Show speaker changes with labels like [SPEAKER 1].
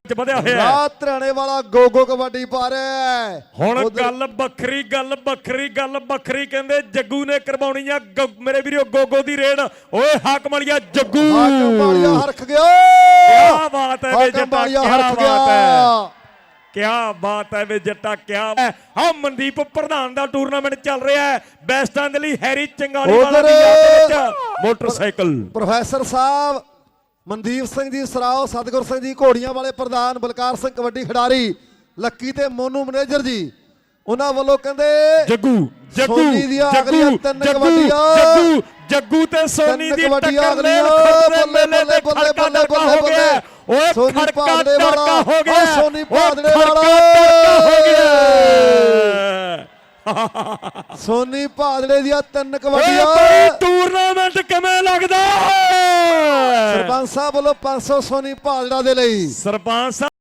[SPEAKER 1] ਵਧਿਆ ਹੋਇਆ
[SPEAKER 2] ਰਾਤ ਹਰਿਆਣੇ ਵਾਲਾ ਗੋਗੋ ਕਬੱਡੀ ਪਾ ਰਿਹਾ
[SPEAKER 1] ਹੁਣ ਗੱਲ ਵੱਖਰੀ ਕਹਿੰਦੇ ਜੱਗੂ ਨੇ ਕਰਵਾਉਣੀ ਆ ਮੇਰੇ ਵੀਰੋ ਗੋਗੋ ਦੀ ਰੇਡ ਓਏ ਹਾਕਮ ਵਾਲੀਆ ਜੱਗੂ
[SPEAKER 2] ਹਰਖ ਗਿਆ
[SPEAKER 1] ਕੀ ਬਾਤ ਹੈ ਵੇ ਜੱਟਾ ਕਿਆ ਬਾਤ ਹੈ ਵੇ ਜੱਟਾ ਕਿਆ ਹਾਂ ਮਨਦੀਪ ਪ੍ਰਧਾਨ ਦਾ ਟੂਰਨਾਮੈਂਟ ਚੱਲ ਰਿਹਾ ਹੈ ਬੈਸਟਾਂ ਦੇ ਲਈ ਹੈਰੀ ਚੰਗਾਲੀ ਵਾਲਾ ਦੀ ਯਾਦ ਵਿੱਚ ਮੋਟਰਸਾਈਕਲ
[SPEAKER 2] ਪ੍ਰੋਫੈਸਰ ਸਾਹਿਬ ਮਨਦੀਪ ਸਿੰਘ ਜੀ ਸਰਾਓ ਸਤਗੁਰ ਸਿੰਘ ਜੀ ਘੋੜੀਆਂ ਵਾਲੇ ਪ੍ਰਧਾਨ ਬਲਕਾਰ ਸਿੰਘ ਕਬੱਡੀ ਖਿਡਾਰੀ ਲੱਕੀ ਤੇ ਮੋਨੂ ਮੈਨੇਜਰ ਜੀ ਉਹਨਾਂ ਵੱਲੋਂ ਕਹਿੰਦੇ
[SPEAKER 1] ਜੱਗੂ ਤੇ ਸੋਨੀ ਦੀ ਟੱਕਰ ਮੇਲੇ ਤੇ ਖੜਕਾ ਦੜਕਾ ਹੋ ਗਿਆ ਓਏ ਖੜਕਾ ਦੜਕਾ ਹੋ ਗਿਆ
[SPEAKER 2] ਸੋਨੀ ਭਾਦੜੇ ਵਾਲਾ
[SPEAKER 1] ਹੋ ਗਿਆ
[SPEAKER 2] ਸੋਨੀ ਭਾਦੜੇ ਦੀਆਂ 3 ਕਬੱਡੀਆਂ
[SPEAKER 1] ਟੂਰਨਾਮੈਂਟ ਕਿਵੇਂ ਲੱਗਦਾ
[SPEAKER 2] ਸਰਪੰਚ ਸਾਹਿਬ ਵੱਲੋਂ 500 ਸੋਨੀ ਭਾਦੜਾ ਦੇ ਲਈ
[SPEAKER 1] ਸਰਪੰਚ